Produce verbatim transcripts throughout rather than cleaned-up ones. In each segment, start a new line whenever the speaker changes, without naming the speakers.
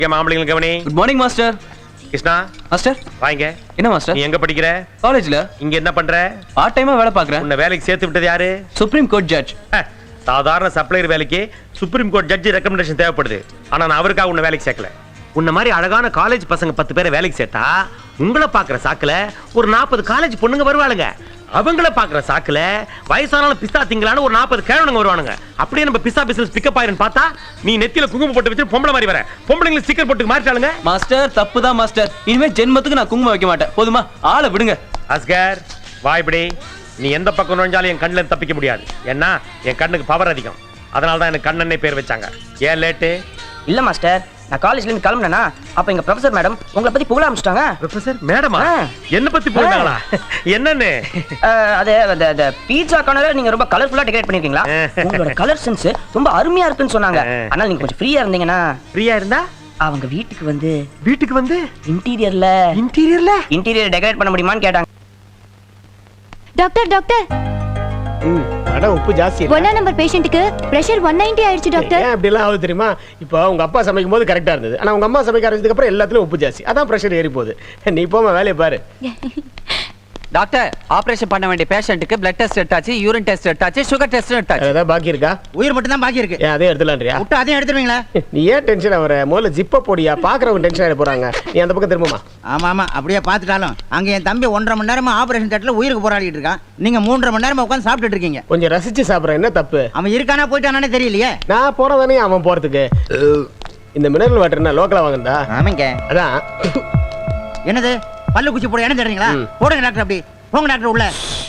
மாம்பழங்களுக்கு கவனி.
Good morning master.
Krishna
master
வாங்க.
என்ன மாஸ்டர்?
நீ எங்க படிக்கிற?
காலேஜ்ல.
இங்க என்ன பண்ற?
பார்ட் டைமா வேலை பார்க்கறேன்.
உன்னை வேலைக்கு சேர்த்து விட்டது யாரு?
Supreme court judge.
சாதாரண சப்ளையர் வேலைக்கு சுப்ரீம் கோர்ட் ஜட்ஜ் ரெக்கமெண்டேஷன் தேவைப்படுது. ஆனா நான் அவருக்காக உன்னை வேலைக்கு சேர்க்கல. உன்ன மாதிரி அழகான காலேஜ் பசங்க பத்து பேரை வேலைக்கு சேர்த்தா உங்களை பாக்குற சாக்குல ஒரு நாற்பது காலேஜ் பொண்ணுங்க வருவாளுங்க. அவங்கள பாக்குற சாக்குல வயசானாலும் பிஸ்தா திங்களான ஒரு நாற்பது கேழனுங்க வருவானுங்க. அப்படியே நம்ம பிஸ்தா பிசினஸ் பிக்கப் ஆயிரும் பார்த்தா நீ நெத்தியில குங்குமம் போட்டு வச்சு பொம்பளை மாதிரி வர. பொம்பளைங்களுக்கு ஸ்டிக்கர் போட்டு மாறிட்டாளுங்க.
மாஸ்டர் தப்பு தான் மாஸ்டர். இனிமே ஜென்மத்துக்கு நான் குங்குமம் வைக்க மாட்டேன். போதுமா? ஆளை விடுங்க.
அஸ்கர் வாய்படி. நீ எந்த பக்கம் நுழைஞ்சாலும் என் கண்ணுல தப்பிக்க முடியாது. ஏன்னா என் கண்ணுக்கு பவர் அதிகம். அதனால தான் எனக்கு கண்ணனே பேர் வச்சாங்க. ஏன் லேட்டு?
இல்ல மாஸ்டர், நான் காலேஜ்ல இருந்து கிளம்பினேனா அப்ப எங்க ப்ரொஃபசர் மேடம் உங்களை பத்தி புகழ ஆரம்பிச்சிட்டாங்க.
ப்ரொஃபசர் மேடமா? என்ன பத்தி புகழாங்களா? என்னன்னு?
அது அந்த பீட்சா கார்னரை நீங்க ரொம்ப கலர்ஃபுல்லா டெக்கரேட் பண்ணிருக்கீங்களா? உங்களோட கலர் சென்ஸ் ரொம்ப அருமையா இருக்குன்னு சொன்னாங்க. ஆனால் நீங்க கொஞ்சம் ஃப்ரீயா இருந்தீங்கன்னா.
ஃப்ரீயா இருந்தா
அவங்க வீட்டுக்கு வந்து
வீட்டுக்கு வந்து
இன்டீரியர்ல
இன்டீரியர்ல
இன்டீரியர் டெக்கரேட் பண்ண முடியுமான்னு கேட்டாங்க.
டாக்டர் டாக்டர்
ம் அட உப்பு ஜாஸ்தி இல்ல.
ஒண்ணா நம்பர் பேஷண்ட்க்கு பிரஷர் one ninety ஆயிடுச்சு டாக்டர்.
ஏன் அப்படி எல்லாம் ஆகுது தெரியுமா? இப்போ உங்க அப்பா சமைக்கும் போது கரெக்டா இருந்தது. ஆனா உங்க அம்மா சமைக்க ஆரம்பிச்சதுக்கு அப்புறம் எல்லாத்துலயும் உப்பு ஜாஸ்தி. அதான் பிரஷர் ஏறி போகுது. நீ போமா வேலைய பாரு.
டாக்டர் ஆபரேஷன் பண்ண வேண்டிய பேஷண்ட்டுக்கு பிளட் டெஸ்ட் எடுத்தாச்சு, யூரின் டெஸ்ட் எடுத்தாச்சு, சுகர் டெஸ்ட் எடுத்தாச்சு.
ஏதாவது பாக்கி இருக்கா?
உயிர் மட்டும் தான் பாக்கி இருக்கு.
ஏன் அதே எடுத்துலாம்ன்றியா?
விட்டு அதையும் எடுத்துருவீங்களா?
நீ ஏன் டென்ஷன் ஆவற? முதல்ல ஜிப்ப போடியா. பாக்குறவங்க டென்ஷன் ஆயிட போறாங்க. நீ அந்த பக்கம் திரும்புமா.
ஆமா ஆமா அப்படியே பாத்துட்டாலும் அங்க என் தம்பி ஒன்றரை மணி நேரமா ஆபரேஷன் தேட்டர்ல உயிருக்கு போராடிட்டு இருக்கான். நீங்க மூன்றரை மணி நேரமா உட்காந்து சாப்பிட்டுட்டு இருக்கீங்க.
கொஞ்சம் ரசிச்சு சாப்பிடுற. என்ன தப்பு?
அவன் இருக்கானா போயிட்டானே தெரியலையே.
நான் போறதானே அவன் போறதுக்கு. இந்த மினரல் வாட்டர் என்ன லோக்கலா வாங்குறதா?
ஆமாங்க.
அதான்.
என்னது பல்லு குச்சி போட என்ன தெரியுங்களா? போடுங்க டாக்டர். அப்படி போங்க டாக்டர் உள்ள.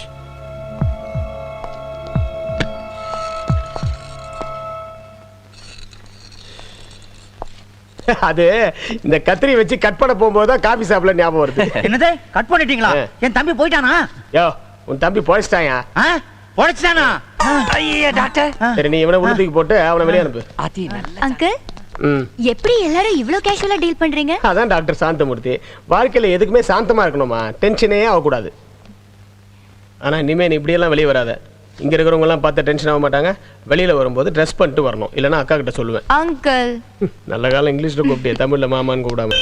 அது இந்த கத்திரி வச்சு கட் பண்ண போகும்போது தான் காபி சாப்பிட ஞாபகம் வருது.
என்னது கட் பண்ணிட்டீங்களா? என் தம்பி போயிட்டானா?
யோ உன் தம்பி போயிட்டாயா?
போயிடுச்சானா?
ஐயே டாக்டர்.
சரி நீ இவனை உள்ள தூக்கி போட்டு அவனை வெளியே அனுப்பு.
அதி நல்ல.
அங்கிள் எப்படி எல்லாரும் இவ்ளோ கேஷுவலா டீல் பண்றீங்க?
அதான் டாக்டர் சாந்தமூர்த்தி. வாழ்க்கையில எதுக்குமே சாந்தமா இருக்கணுமா? டென்ஷனே ஆகக்கூடாது. ஆனா இனிமே நீ இப்படி எல்லாம் வெளியே வராத. இங்க இருக்கிறவங்க எல்லாம் பார்த்து டென்ஷன் ஆக மாட்டாங்க. வெளியில வரும்போது ட்ரெஸ் பண்ணிட்டு வரணும். இல்லைன்னா அக்கா கிட்ட சொல்லுவேன்.
அங்கிள்
நல்ல காலம் இங்கிலீஷ்ல கூப்பிட்டிய, தமிழ்ல மாமான்னு கூப்பிடாம.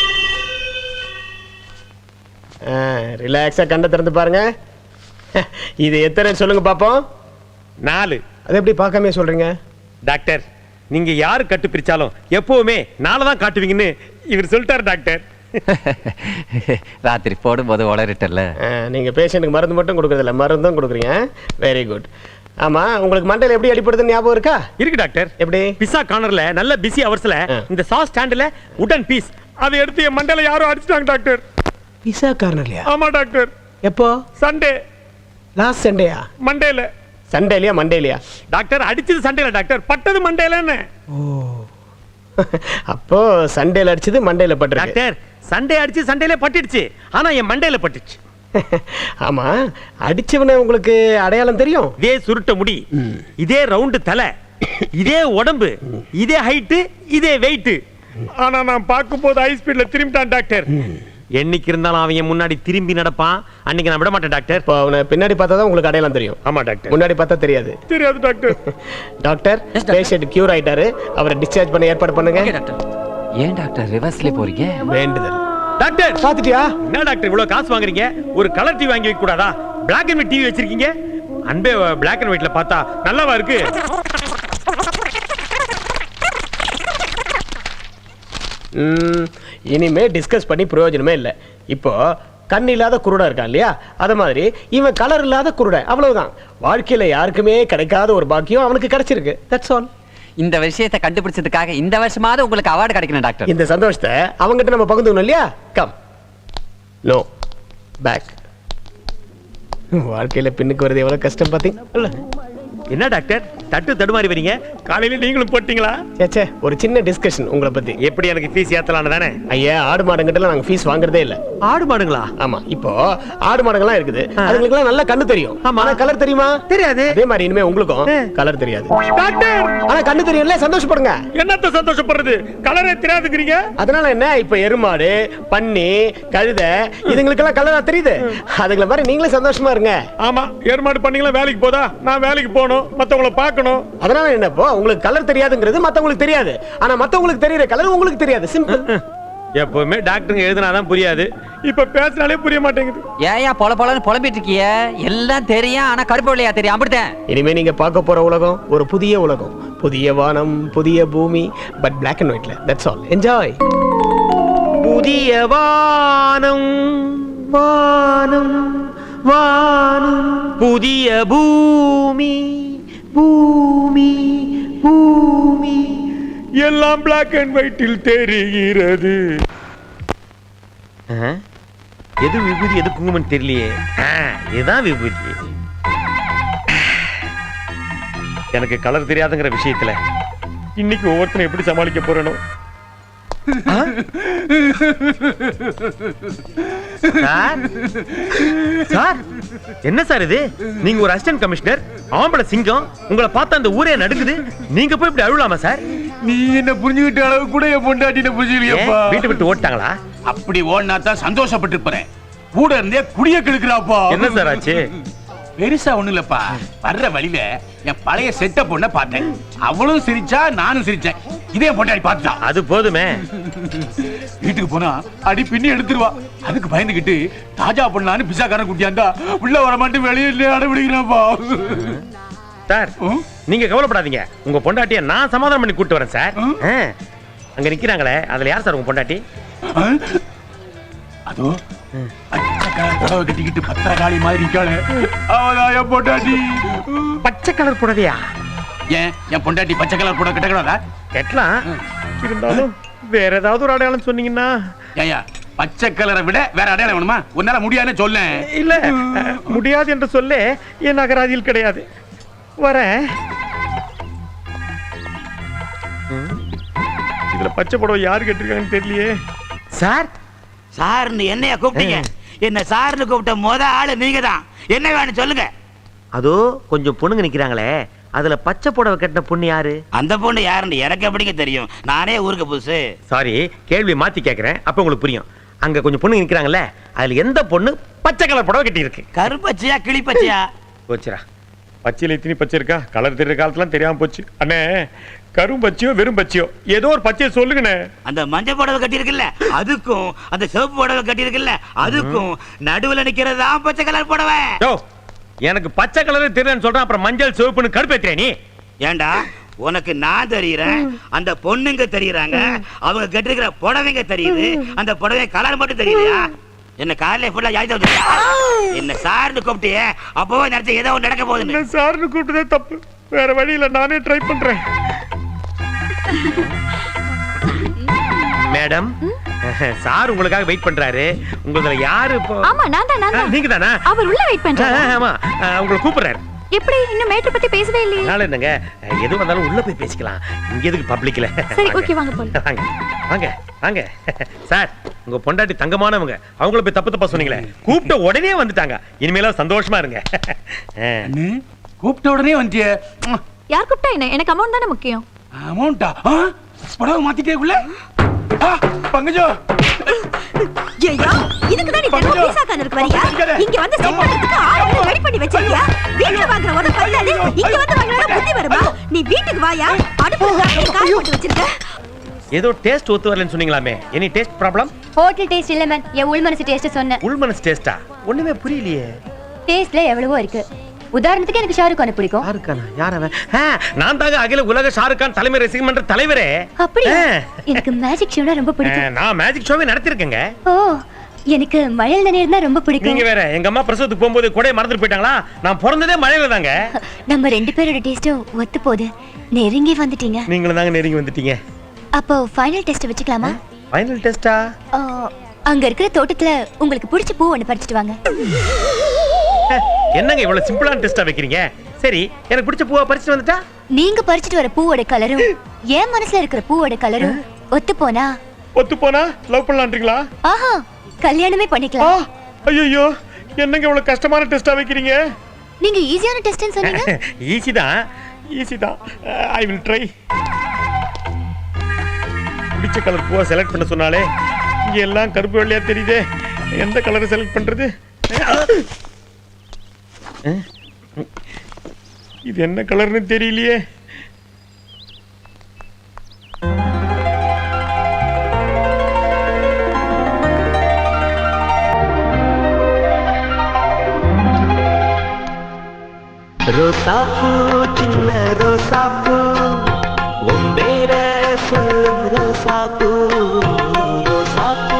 ரிலாக்ஸா கண்ணை திறந்து பாருங்க. இது எத்தனை சொல்லுங்க பாப்போம்.
நாலு.
அது எப்படி பார்க்காம சொல்றீங்க?
டாக்டர் நீங்க யாரு கட்டு பிரிச்சாலும் எப்பவுமே நாளை தான் காட்டுவீங்கன்னு இவர் சொல்லிட்டாரு டாக்டர்.
ராத்திரி போடும்போது உளறிட்டல.
நீங்க பேஷண்ட்டுக்கு மருந்து மட்டும் கொடுக்கறதில்ல, மருந்தும் கொடுக்குறீங்க. Very good. ஆமா உங்களுக்கு மண்டையில எப்படி அடிப்படுதுன்னு ஞாபகம் இருக்கா?
இருக்கு டாக்டர்.
எப்படி?
பிஸா கார்னர்ல நல்ல பிஸி அவர்ஸ்ல இந்த சாஸ் ஸ்டாண்ட்ல உடன் பீஸ் அதை எடுத்து என் மண்டையில யாரோ அடிச்சிட்டாங்க டாக்டர்.
பிஸா கார்னர்லயா?
ஆமா டாக்டர்.
எப்போ?
சண்டே.
லாஸ்ட் சண்டேயா?
மண்டேல.
சண்டேலியா மண்டேலியா?
டாக்டர் அடிச்சது சண்டேல டாக்டர், பட்டது மண்டேலன்னு.
ஓ அப்போ சண்டேல அடிச்சது மண்டேல பட்டுருக்கு.
டாக்டர் சண்டே அடிச்சு சண்டேல பட்டுடுச்சு, ஆனா என் மண்டேல பட்டுச்சு.
ஆமா அடிச்சவனே உங்களுக்கு அடையாளம் தெரியும்?
இதே சுருட்ட முடி, இதே ரவுண்டு தலை, இதே உடம்பு, இதே ஹைட்டு, இதே வெயிட். ஆனா நான் பார்க்கும்போது ஹை ஸ்பீட்ல திரும்பிட்டான் டாக்டர். என்னைக்கு இருந்தாலும் அவன் என் முன்னாடி திரும்பி நடப்பான். அன்னைக்கு நான் விட மாட்டேன் டாக்டர்.
இப்போ அவனை பின்னாடி பார்த்தா தான் உங்களுக்கு அடையாளம் தெரியும்.
ஆமா டாக்டர்.
முன்னாடி பார்த்தா தெரியாது.
தெரியாது டாக்டர்.
டாக்டர் பேஷண்ட் கியூர் ஆயிட்டாரு. அவரை டிஸ்சார்ஜ் பண்ண ஏற்பாடு பண்ணுங்க.
ஏன் டாக்டர் ரிவர்ஸ்ல போறீங்க?
வேண்டுதல்.
டாக்டர்
பாத்துட்டியா?
என்ன டாக்டர் இவ்வளவு காசு வாங்குறீங்க? ஒரு கலர் டிவி வாங்கி வைக்க கூடாதா? பிளாக் அண்ட் ஒயிட் டிவி வச்சிருக்கீங்க. அன்பே பிளாக் அண்ட் ஒயிட்ல பார்த்தா நல்லாவா இருக்கு?
இனிமே டிஸ்கஸ் பண்ணி பிரயோஜனமே இல்லை. இப்போ கண் இல்லாத குருடா இருக்கான் இல்லையா, அத மாதிரி இவன் கலர் இல்லாத குருட. அவ்வளவுதான். வாழ்க்கையில யாருக்குமே கிடைக்காத ஒரு பாக்கியம் அவனுக்கு கிடைச்சிருக்கு. That's all.
இந்த விஷயத்தை கண்டுபிடிச்சதுக்காக இந்த வருஷமாவது உங்களுக்கு அவார்டு கிடைக்கணும் டாக்டர்.
இந்த சந்தோஷத்தை அவங்ககிட்ட நம்ம பகிர்ந்துக்கணும் இல்லையா? Come no back. வாழ்க்கையில பின்னுக்கு வருது எவ்வளவு கஷ்டம் பாத்தீங்க.
என்ன டாக்டர் தட்டு தடுமாறி வரீங்க? காலையில நீங்களும் போட்டீங்களா?
சேச்சே ஒரு சின்ன டிஸ்கஷன் உங்களை பத்தி.
எப்படி எனக்கு ஃபீஸ் ஏத்தலாம்னு தானே?
ஐயா ஆடு மாடுங்கிட்ட நாங்க ஃபீஸ் வாங்குறதே இல்ல.
ஆடு மாடுங்களா?
ஆமா. இப்போ ஆடு மாடுங்கலாம் இருக்குது. அதுங்களுக்கு எல்லாம் நல்ல கண்ணு தெரியும். ஆனா கலர் தெரியுமா?
தெரியாது.
அதே மாதிரி இனிமே உங்களுக்கும் கலர் தெரியாது
டாக்டர்.
ஆனா கண்ணு தெரியும்ல, சந்தோஷப்படுங்க.
என்னத்த சந்தோஷப்படுறது? கலரே தெரியாதுங்கறீங்க.
அதனால என்ன? இப்ப எருமாடு, பன்னி, கழுதை இதுங்களுக்கு எல்லாம் கலரா தெரியுது. அதுங்கள மாதிரி நீங்களே சந்தோஷமா இருங்க.
ஆமா எருமாடு பன்னிங்களா வேலைக்கு போதா? நான் வேலைக்கு போணும். வரணும், மத்தவங்கள பார்க்கணும்.
அதனால என்னப்போ உங்களுக்கு கலர் தெரியாதுங்கிறது மத்தவங்களுக்கு தெரியாது, ஆனா மத்தவங்களுக்கு தெரியுற கலர் உங்களுக்கு தெரியாது. சிம்பிள்.
எப்பவுமே டாக்டருங்க எழுதினாதான் புரியாது, இப்ப பேசினாலே புரிய மாட்டேங்குது.
ஏயா பொல பொலன்னு புலம்பிட்டு இருக்கிய? எல்லாம் தெரியும், ஆனா கருப்பு வெள்ளையா தெரியும், அப்படித்தான்.
இனிமே நீங்க பார்க்க போற உலகம் ஒரு புதிய உலகம், புதிய வானம், புதிய பூமி, பட் பிளாக் அண்ட் ஒயிட்ல. That's all. என்ஜாய்.
புதிய வானம் வானம் வானம், புதிய பூமி பூமி பூமி, எல்லாம் பிளாக் அண்ட் ஒயிட்டில் தெரிகிறது. எது விபூதி எது குங்குமம் தெரியலையே. ஆ, இதுதான் விபூதி. எனக்கு கலர் தெரியாதுங்கிற விஷயத்துல இன்னைக்கு ஒவ்வொருத்தரும் எப்படி சமாளிக்க போறேனோ. சார், சார், என்ன சார் இது? நீங்க ஒரு அசிஸ்டன்ட் கமிஷனர், ஆம்பளை சிங்கம், உங்களை பார்த்தா அந்த ஊரே நடுக்குது. நீங்க போய் இப்படி அழுவலாமா சார்?
நீ என்ன புரிஞ்சுக்கிட்ட அளவு கூட என் பொண்டாட்டின புரிஞ்சுக்கலையப்பா.
வீட்டை விட்டு ஓட்டாங்களா?
அப்படி ஓடினா தான் சந்தோஷப்பட்டு இருப்பேன். கூட இருந்தே குடிய கெடுக்கிறாப்பா.
என்ன சார் ஆச்சு?
பெருசா ஒண்ணு இல்லப்பா. வர்ற வழியில என் பழைய செட்ட பொண்ண பார்த்தேன். அவளும் சிரிச்சா, நானும் சிரிச்சேன். இதே பொண்டாடி பார்த்துட்டா.
அது போதுமே.
வீட்டுக்கு போனா அடி பின்னி எடுத்துருவா. அதுக்கு பயந்துகிட்டு தாஜா பண்ணலான்னு பிசாக்காரன் குட்டியாண்டா உள்ள வர மாட்டேன், வெளியில அடம்பிடிக்கிறாப்பா.
சார், நீங்க கவலைப்படாதீங்க, உங்க பொண்டாட்டிய நான் சமாதானம் பண்ணி கூட்டு வரேன் சார். அங்க நிக்கிறாங்களே, அதுல யார் சார் உங்க பொண்டாட்டி?
அதோ கட்டிக்கிட்டு பத்திரகாளி மாதிரி இருக்காளே, அவதான் என் பொண்டாட்டி.
பச்சை கலர் புடவையா?
ஏன் என் பொண்டாட்டி பச்சை கலர் புடவை கட்டக்கூடாதா?
கட்டலாம், இருந்தாலும் வேற ஏதாவது ஒரு அடையாளம் சொன்னீங்கன்னா.
ஏயா, பச்சை கலரை விட வேற அடையாளம் வேணுமா? உன்னால முடியாதுன்னு சொல்ல.
இல்ல, முடியாது என்று சொல்ல என் அகராதியில் கிடையாது. வரேன். இதுல பச்சை புடவை யாரு கேட்டிருக்காங்கன்னு தெரியலையே. சார்,
சார்னு என்னைய கூப்பிட்டீங்க? என்ன சார்னு கூப்பிட்ட முத ஆளு நீங்க தான். என்ன வேணும் சொல்லுங்க.
அதோ கொஞ்சம் பொண்ணுங்க நிக்கிறாங்களே, அதுல பச்சை புடவை கட்டின பொண்ணு யாரு?
அந்த பொண்ணு யாருன்னு எனக்கு எப்படிங்க தெரியும்? நானே ஊருக்கு புதுசு.
சாரி, கேள்வி மாத்தி கேக்குறேன், அப்ப உங்களுக்கு புரியும். அங்க கொஞ்சம் பொண்ணுங்க நிக்கிறாங்கல்ல, அதுல எந்த பொண்ணு பச்சை கலர் புடவை கட்டி இருக்கு?
கருப்பச்சியா கிளிப்பச்சியா?
போச்சுரா, பச்சையில இத்தனி பச்சை இருக்கா? கலர் தெரியுற காலத்துல தெரியாம போச்சு. அண்ணே, கரும் பச்சையோ வெறும் பச்சையோ ஏதோ ஒரு பச்சையை சொல்லுங்கண்ணே.
அந்த மஞ்சள் புடவை கட்டி இருக்குல்ல அதுக்கும், அந்த சிவப்பு புடவை கட்டி இருக்குல்ல அதுக்கும் நடுவுல நிக்கிறது தான் பச்சை கலர் புடவை.
எனக்கு பச்சை கலர் தெரியலன்னு சொல்றேன், அப்புறம் மஞ்சள் சிவப்புன்னு கடுப்பேத்துறே நீ.
ஏண்டா, உனக்கு நான் தெரியறேன், அந்த பொண்ணுங்க தெரியறாங்க, அவங்க கட்டிருக்கிற புடவைங்க தெரியுது, அந்த புடவை கலர் மட்டும் தெரியலையா? என்ன காலையில ஃபுல்லா யாய்தா என்ன சார்னு கூப்பிட்டியே, அப்பவே நினைச்ச ஏதோ ஒன்று நடக்க போகுது.
சார்னு கூப்பிட்டதே தப்பு, வேற வழியில நானே ட்ரை பண்றேன். மேடம், சார் உங்களுக்காக வெயிட் பண்றாரு. உங்களதுல யாரு இப்போ?
ஆமா, நான் தான் நான் தான்.
நீங்க தானா?
அவர் உள்ள வெயிட் பண்றாரு.
ஆமா, உங்களை கூப்பிடுறாரு.
எப்படி இன்னும் மேட்டர் பத்தி பேசவே இல்லையே?
நாளை என்னங்க, எது வந்தாலும் உள்ள போய் பேசிக்கலாம், இங்க எதுக்கு பப்ளிக்ல?
சரி, ஓகே, வாங்க போலாம்.
வாங்க வாங்க வாங்க. சார், உங்க பொண்டாட்டி தங்கமானவங்க, அவங்கள போய் தப்பு தப்பா சொன்னீங்களே, கூப்பிட்ட உடனே வந்துட்டாங்க. இனிமேல சந்தோஷமா இருங்க.
கூப்பிட்ட உடனே வந்துட்டியே.
யார் கூப்பிட்டா என்ன? எனக்கு அமௌண்ட் தானே முக்கியம்.
அமௌண்டா? புடவை மாத்திட்டே உள்ள பங்கஜோ.
ஐயா, இதுக்கு தான் நீ தெருவு பீசா கார்னருக்கு வரியா? இங்க வந்து செட் பண்றதுக்கு ஆளு ரெடி பண்ணி வச்சிருக்கியா? வீட்ல வாங்குற ஒரு பல்லாது இங்க வந்து வாங்குறா புத்தி வருமா? நீ வீட்டுக்கு வாயா, அடுப்புல காய் போட்டு வச்சிருக்க.
ஏதோ டேஸ்ட் ஒத்து வரலன்னு சொன்னீங்களாமே, any taste problem?
Hotel taste இல்ல மேம், என் உள் மனசு டேஸ்ட் சொன்னேன்.
உள் மனசு டேஸ்டா? ஒண்ணுமே புரியலையே.
டேஸ்ட்ல எவ்வளவோ இருக்கு. உதாரணத்துக்கு எனக்கு ஷாருக் கான பிடிக்கும்.
ஷாருக் கானா? யார் அவன்? நான் தாங்க அகில உலக ஷாருக் கான் தலைமை ரசிகர் மன்ற தலைவரே.
அப்படியே எனக்கு மேஜிக் ஷோனா ரொம்ப பிடிக்கும்.
நான் மேஜிக் ஷோவே நடத்திருக்கேங்க.
ஓ, எனக்கு மழையில நனையிறதுனா ரொம்ப பிடிக்கும்.
நீங்க வேற, எங்க அம்மா பிரசவத்துக்கு போகும்போது கூட மறந்துட்டு போயிட்டாங்களா? நான் பிறந்ததே மழையில தாங்க.
நம்ம ரெண்டு பேரோட டேஸ்டும் ஒத்து போகுது. நெருங்கி வந்துட்டீங்க.
நீங்களும் தாங்க நெருங்கி வந்துட்டீங்க.
அப்போ ஃபைனல் டெஸ்ட் வச்சுக்கலாமா?
ஃபைனல் டெஸ்டா?
அங்க இருக்கிற தோட்டத்துல உங்களுக்கு பிடிச்ச பூ ஒன்னு பறிச்சிட்டு வாங்க.
என்னங்க இவ்வளவு சிம்பிளான டெஸ்டா வைக்கிறீங்க? சரி, எனக்கு பிடிச்ச பூவா பறிச்சிட்டு வந்துட்டா?
நீங்க பறிச்சிட்டு வர பூவோட கலரும் என் மனசுல இருக்கிற பூவோட கலரும் ஒத்து போனா?
ஒத்து போனா லவ் பண்ணலாம்ன்றீங்களா?
ஆஹா, கல்யாணமே பண்ணிக்கலாம்.
ஐயோ, என்னங்க இவ்வளவு கஷ்டமான டெஸ்டா வைக்கிறீங்க?
நீங்க ஈஸியான டெஸ்ட்னு சொன்னீங்க.
ஈஸி தான், ஈஸி தான். I will try. பிடிச்ச கலர் பூவா செலக்ட் பண்ண சொன்னாலே இங்க எல்லாம் கருப்பு வெள்ளையா தெரியுதே, எந்த கலரை செலக்ட் பண்றது? இது என்ன கலர்னு தெரியலையே.
ரோசாப்பூ சின்ன ரோசாப்பூ உம்பேர சொல்லு ரோசாப்பூ ரோசாப்பூ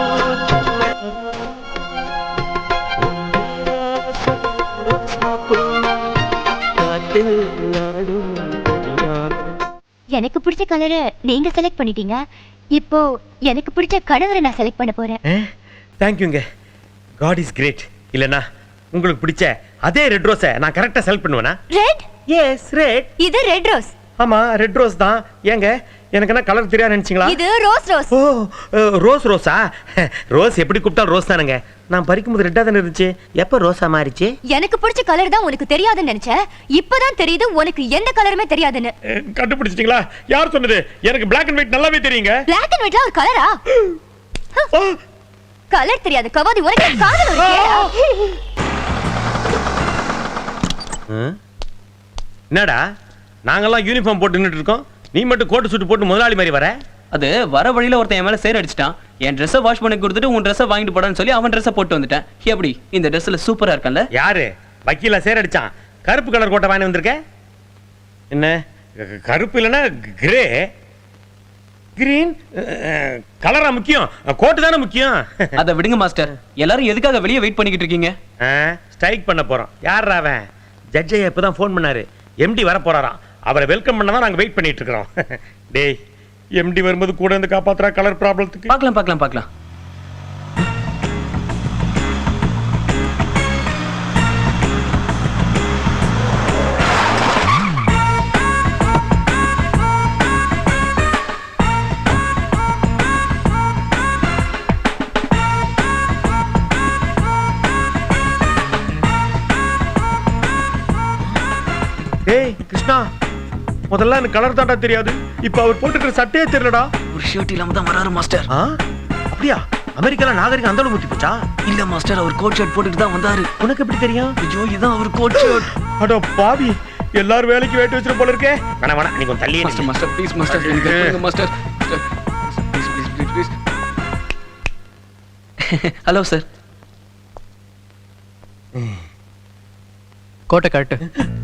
எனக்கு பிடிச்ச கலரை நீங்க செலக்ட் பண்ணிட்டீங்க. இப்போ எனக்கு பிடிச்ச கணவரை நான் செலக்ட் பண்ண போறேன்.
தேங்க்யூங்க. God is great. இல்லனா உங்களுக்கு பிடிச்ச அதே ரெட் ரோஸை நான் கரெக்டா செலக்ட் பண்ணுவேனா?
ரெட்?
Yes, red.
இது ரெட் ரோஸ்.
ஆமா, ரெட் ரோஸ் தான். ஏங்க எனக்கு என்ன கலர் தெரியாது நினைச்சீங்களா?
இது ரோஸ் ரோஸ்.
ஓ, ரோஸ் ரோஸா? ரோஸ் எப்படி கூப்பிட்டாலும் ரோஸ் தானுங்க. நான் பறிக்கும்போது ரெட்டா தானே இருந்துச்சு. எப்ப ரோஸா மாறிச்சு?
எனக்கு பிடிச்ச கலர் தான் உனக்கு தெரியாதுன்னு நினைச்சேன். இப்பதான் தெரியுது உனக்கு எந்த கலருமே தெரியாதுன்னு.
கண்டுபிடிச்சிட்டீங்களா? யார் சொன்னது? எனக்கு Black and white நல்லாவே தெரியுங்க.
Black and whiteல ஒரு கலரா? கலர் தெரியாது கவாதி, உனக்கு காதல் இருக்கேடா.
என்னடா நாங்கெல்லாம் யூனிஃபார்ம் போட்டு நின்னுட்டு இருக்கோம், நீ மட்டும் கோட் சூட் போட்டு முதலாளி மாதிரி வர?
அது வர வழியில ஒருத்தன் என் மேல சேர் அடிச்சிட்டான். என் ட்ரெஸ்ஸை வாஷ் பண்ணி கொடுத்துட்டு உன் ட்ரெஸ்ஸை வாங்கிட்டு போடான்னு சொல்லி அவன் ட்ரெஸ்ஸை போட்டு வந்துட்டேன். எப்படி இந்த ட்ரெஸ்ல சூப்பரா இருக்கல்ல?
யாரு வக்கீல சேர் அடிச்சான்? கருப்பு கலர் கோட்டை வாங்கி வந்திருக்க. என்ன கருப்பு இல்லைன்னா கிரே கிரீன் கலரா முக்கியம்? கோட்டு தானே முக்கியம்.
அதை விடுங்க மாஸ்டர். எல்லாரும் எதுக்காக வெளியே வெயிட் பண்ணிக்கிட்டு இருக்கீங்க?
ஸ்ட்ரைக் பண்ண போறோம். யார் அவன்? ஜட்ஜை இப்பதான் ஃபோன் பண்ணாரு. எம்டி வர போறாராம். அவரை வெல்கம் பண்ண தான் நாங்க வெயிட் பண்ணிட்டு இருக்கிறோம். டேய், எம்டி வரும்போது கூட இருந்து காப்பாத்துறா கலர் ப்ராப்ளத்துக்கு.
பார்க்கலாம் பார்க்கலாம் பார்க்கலாம்.
டேய் கிருஷ்ணா, முதல்ல எனக்கு கலர் தாண்டா தெரியாது. இப்ப அவர் போட்டுக்கிற சட்டையே தெரியலடா.
ஒரு ஷர்ட் இல்லாம தான் வராரு மாஸ்டர்.
ஆ, அப்படியா? அமெரிக்கால நாகரிகம் அந்த அளவு முத்தி போச்சா?
இல்ல மாஸ்டர், அவர் கோட் ஷர்ட் போட்டுட்டு தான் வந்தாரு.
உனக்கு எப்படி தெரியும்?
ஐயோ, இதான் அவர் கோட் ஷர்ட்.
அட பாவி, எல்லாரும் வேலைக்கு வேட்டு வச்சிரு போல இருக்கே. வேணா வேணா, நீ கொஞ்சம் தள்ளியே
மாஸ்டர் மாஸ்டர் ப்ளீஸ் மாஸ்டர், எனக்கு கொடுங்க master. Please please please please. Hello sir.
கோட்டை காட்டு.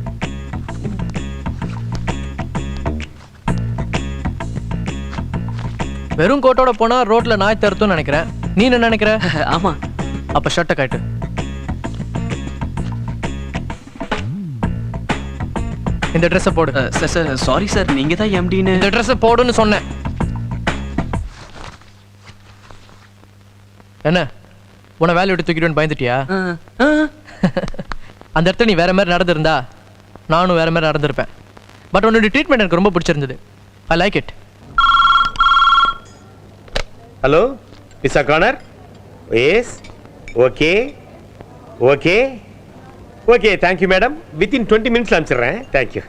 வெறும் கோட்டோட போனா ரோட்ல நாய் தருத்தும் நினைக்கிறேன். நீ என்ன நினைக்கிற?
ஆமா.
அப்ப ஷர்ட்டை காட்டு. இந்த ட்ரெஸ்ஸை போடு.
சார் சார் சாரி சார், நீங்க தான் எம்டின்னு.
இந்த ட்ரெஸ்ஸை போடுன்னு சொன்னேன். என்ன உன்னை வேலையை விட்டு தூக்கிடுவேன்னு பயந்துட்டியா? அந்த இடத்துல நீ வேற மாதிரி நடந்திருந்தா நானும் வேற மாதிரி நடந்திருப்பேன். பட் உன்னோட ட்ரீட்மெண்ட் எனக்கு ரொம்ப பிடிச்சிருந்தது. I like it.
ஹலோ மிஸ்ஸா corner. Yes, okay okay okay, thank you madam. Within twenty மினிட்ஸ்ல அனுப்பிச்சிடுறேன். தேங்க்யூ.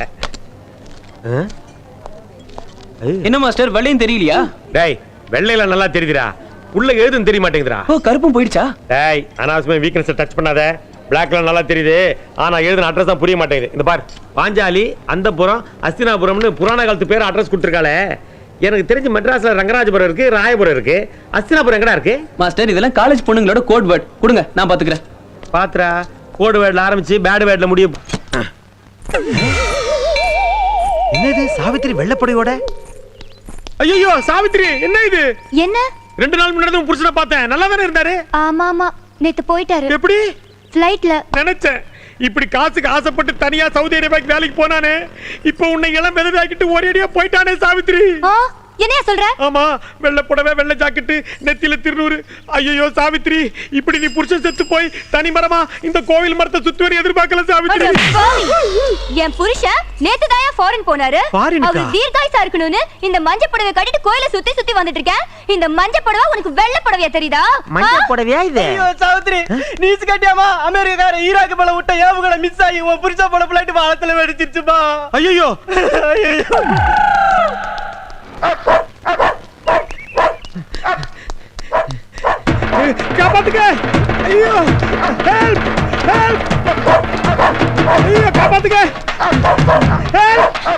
என்ன மாஸ்டர், வெள்ளையும் தெரியலையா?
டேய், வெள்ளையில நல்லா தெரியுதுடா, உள்ள எழுதுன்னு தெரிய மாட்டேங்குதுடா.
ஓ, கருப்பும் போயிடுச்சா?
டேய், அனாவசியமா வீக்னஸ் டச் பண்ணாத. பிளாக்ல நல்லா தெரியுது, ஆனா எழுதுன அட்ரஸ் தான் புரிய மாட்டேங்குது. இந்த பார், பாஞ்சாலி, அந்தபுரம், அஸ்தினாபுரம்னு புராண காலத்து பேர் அட்ரஸ் கொடுத்துருக்காளே. எனக்கு தெரிஞ்சு மெட்ராஸ்ல ரங்கராஜபுரம் இருக்கு, ராயபுரம் இருக்கு, அஸ்தினாபுரம் எங்கடா இருக்கு?
மாஸ்டர், இதெல்லாம் காலேஜ் பொண்ணுங்களோட கோட் வேர்ட். கொடுங்க, நான் பாத்துக்கிறேன்.
பாத்ரா, கோட் வேர்ட்ல ஆரம்பிச்சு பேட் வேர்ட்ல முடியும். என்னது சாவித்திரி வெள்ளப்படையோட? ஐயோ சாவித்திரி, என்ன இது?
என்ன?
ரெண்டு நாள் முன்னாடி உன் புருஷனை பார்த்தேன், நல்லா தானே இருந்தாரு?
ஆமா ஆமா, நேத்து போயிட்டாரு.
எப்படி?
ஃளைட்ல.
நினைச்சேன் இப்படி காசுக்கு ஆசைப்பட்டு தனியா சவுதி அரேபியாக்கு வேலைக்கு போனானே, இப்போ உன்னை இளம் வெதவாக்கிட்டு ஒரேடியா போயிட்டானே சாவித்திரி.
என்னையா சொல்ற?
ஆமா, வெள்ளை புடவை, வெள்ளை ஜாக்கெட்டு, நெத்தியில திருநூறு. ஐயோ சாவித்திரி, இப்படி நீ புருஷன் செத்து போய் தனி மரமா இந்த கோவில் மரத்தை சுத்தி வர எதிர்பார்க்கல சாவித்திரி.
என் புருஷன் நேத்து தான் ஃபாரின் போனாரு. அவர் தீர்காயுசா இருக்கணும்னு இந்த மஞ்சள் புடவை கட்டிட்டு கோயிலை சுத்தி சுத்தி வந்துட்டு இருக்கேன். இந்த மஞ்சள் புடவை உனக்கு வெள்ளை புடவையா தெரியுதா?
மஞ்சள் புடவையா இது?
ஐயோ சாவித்திரி, நீஸ் கட்டியாமா அமெரிக்கார ஈராக் மேல விட்ட ஏவுகணை மிஸ் ஆகி உன் புருஷன் போல பிளைட் வானத்துல வெடிச்சிருச்சுமா.
ஐயோ காப்பாத்துங்க. ஐயோ, ஹெல்ப் ஹெல்ப்.
ஐயோ, காப்பாத்துங்க. ஏய்.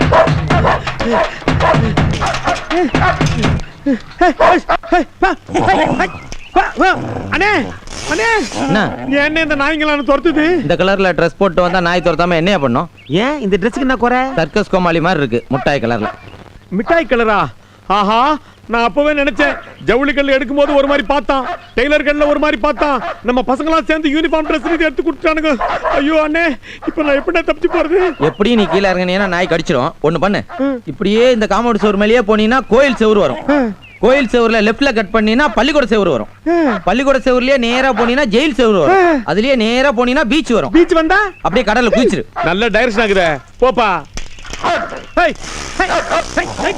அண்ணே அண்ணே
என்ன
என்ன இந்த நாய்ங்களான துரத்துது?
இந்த கலர்ல ட்ரெஸ் போட்டு வந்தா நாய் துரத்தாம என்னையா பண்ணும்?
ஏன் இந்த ட்ரெஸ்க்கு என்ன குறை?
சர்க்கஸ் கோமாளி மாதிரி இருக்கு முட்டாய் கலர்ல.
மிட்டாய் கலரா? ஆஹா, நான் அப்பவே நினைச்சேன் ஜவுளி கல்ல எடுக்கும் போது ஒரு மாதிரி பார்த்தான், டெய்லர் கல்ல ஒரு மாதிரி பார்த்தான், நம்ம பசங்களாம் சேர்ந்து யூனிஃபார்ம் ட்ரெஸ் எடுத்து கொடுத்துட்டானுங்க. ஐயோ அண்ணே, இப்போ நான் எப்படி தப்பிச்சு போறது?
எப்படியும் நீ கீழே இறங்கினீங்கன்னா நாய் கடிச்சிடும். ஒண்ணு பண்ணு, இப்படியே இந்த காம்பவுண்ட் செவுரு மேலேயே போனீங்கன்னா கோயில் செவுரு வரும். கோயில் செவுருல லெஃப்ட்ல கட் பண்ணீங்கன்னா பள்ளிக்கூட செவுரு வரும். பள்ளிக்கூட செவுருலயே நேரா போனீங்கன்னா ஜெயில் செவுரு வரும். அதுலயே நேரா போனீங்கன்னா பீச் வரும்.
பீச் வந்தா
அப்படியே கடல்ல குளிச்சிரு.
நல்ல டைரக்ஷன் ஆகுதே, போப்பா. Hey hey hey.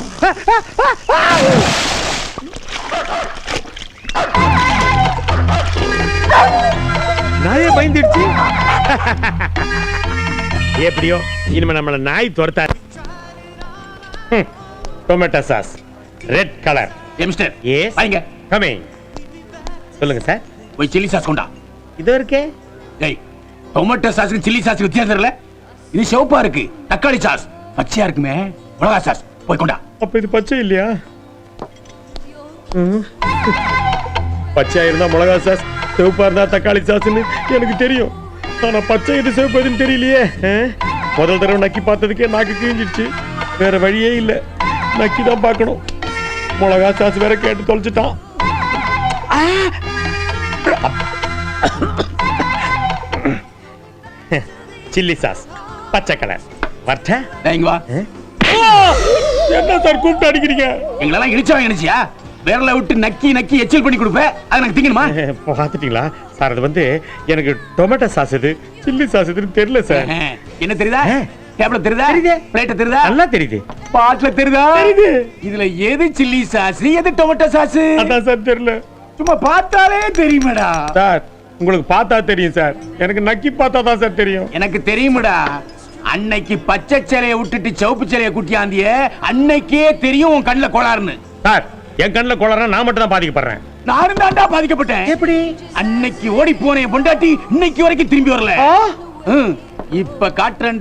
நாயே பயந்துடுச்சு. எப்படியோ இனிமே நம்மள நாய் துரத்தாது. Tomato sauce red colour.
Mister
S
வாங்க.
கமிங். சொல்லுங்க சார்.
போய் சில்லி சாஸ் கொண்டா.
இது இருக்கே.
டேய், டொமேட்டோ சாஸ்க்கு சில்லி சாஸ்க்கு வித்தியாசம் தெரியல. இது சிவப்பா இருக்கு, தக்காளி சாஸ் பச்சையா இருக்குமே, மிளகா சாஸ். போய் கொண்டா.
அப்ப இது பச்சை இல்லையா? பச்சையா இருந்தா மிளகா சாஸ், சிவப்பா இருந்தா தக்காளி சாஸ்ன்னு எனக்கு தெரியும். ஆனா பச்சை இது சிவப்பு எதுன்னு தெரியலையே. முதல் தடவை நக்கி பார்த்ததுக்கே நாக்கு கிழிஞ்சிடுச்சு. வேற வழியே இல்ல, நக்கி தான் பார்க்கணும். மிளகா சாஸ் வேற கேட்டு தொலைச்சிட்டான். சில்லி சாஸ் பச்சை கலர். வரட்ட
இங்க வா.
என்ன சார் கூப்பிட்டு அடிக்கிறீங்க?
எங்களெல்லாம் இடிச்சவன் நினைச்சியா? விரல விட்டு நக்கி நக்கி எச்சில் பண்ணி கொடுப்பேன். அது எனக்கு திங்கணுமா?
பாத்துட்டீங்களா சார்? அது வந்து எனக்கு டொமேட்டோ சாஸ் இது, சில்லி சாஸ் இதுன்னு தெரியல சார்.
என்ன தெரியுதா? டேபிள்ல தெரியுதா? பிளேட்ல தெரியுதா?
நல்லா தெரியுது.
பாட்ல தெரியுதா?
தெரியுது.
இதுல எது சில்லி சாஸ், எது டொமேட்டோ சாஸ்?
அதான் சார் தெரியல.
சும்மா பார்த்தாலே தெரியுமேடா.
சார் உங்களுக்கு பார்த்தா தெரியும் சார், எனக்கு நக்கி பார்த்தா தான் சார் தெரியும்.
எனக்கு தெரியுமேடா. அன்னைக்கு பச்சை சேலையை விட்டுட்டு சிவப்பு சேலையை குட்டியாந்திய அன்னைக்கே தெரியும் உன் கண்ணுல கோளாறுன்னு.
சார் என் கண்ணுல கோளாறுனா நான் மட்டும் தான் பாதிக்கப்படுறேன்.
நானும் தாண்டா பாதிக்கப்பட்டேன்.
எப்படி?
அன்னைக்கு ஓடி போன என் பொண்டாட்டி இன்னைக்கு வரைக்கும் திரும்பி வரல. இப்ப காட்டுறேன்.